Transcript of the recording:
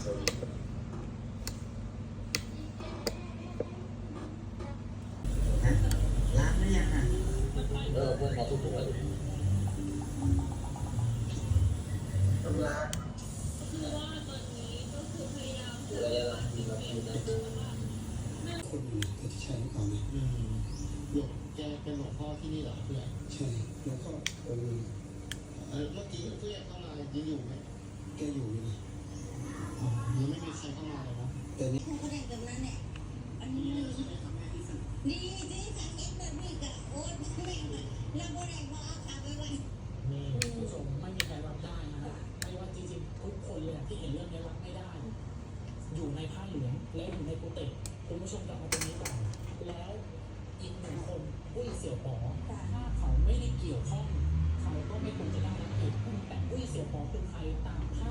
ล้างหรือยังอ่ะพวกเขาทุกตัวเลยต้องล้างระยะหลังมีมาคิวนะคนอยู่แต่ที่ใช่หรือเปล่าเนี่ยหลวงแกเป็นหลวงพ่อที่นี่เหรอเพื่อนใช่แล้วก็องค์เมื่อกี้เพื่อนเข้ามายังอยู่ไหมแกอยู่นี่นะยังไม่มีใครเข้ามาเลยนะแต่นี่ผู้แดงแบบนั้นแหละอันนี้ดีสิสังเกตแบบนี้กับโอ๊ตแม่งแล้วผู้แดงมาเอาขาไปไว้นี่คุณผู้ชมไม่มีใครรับได้นะไม่ว่าจริงๆทุกคนเลยที่เห็นเรื่องนี้รับไม่ได้ อยู่ในผ้าเหลืองและอยู่ในกุฏิคุณผู้ชมกลับมาตรงนี้ก่อนแล้วอีกหนึ่งคนอุ้ยเสี่ยวป๋อถ้าเขาไม่ได้เกี่ยวข้องเขาก็ไม่ควรจะได้รับเกียรติแต่อุ้ยเสี่ยวป๋อคือใครตามภ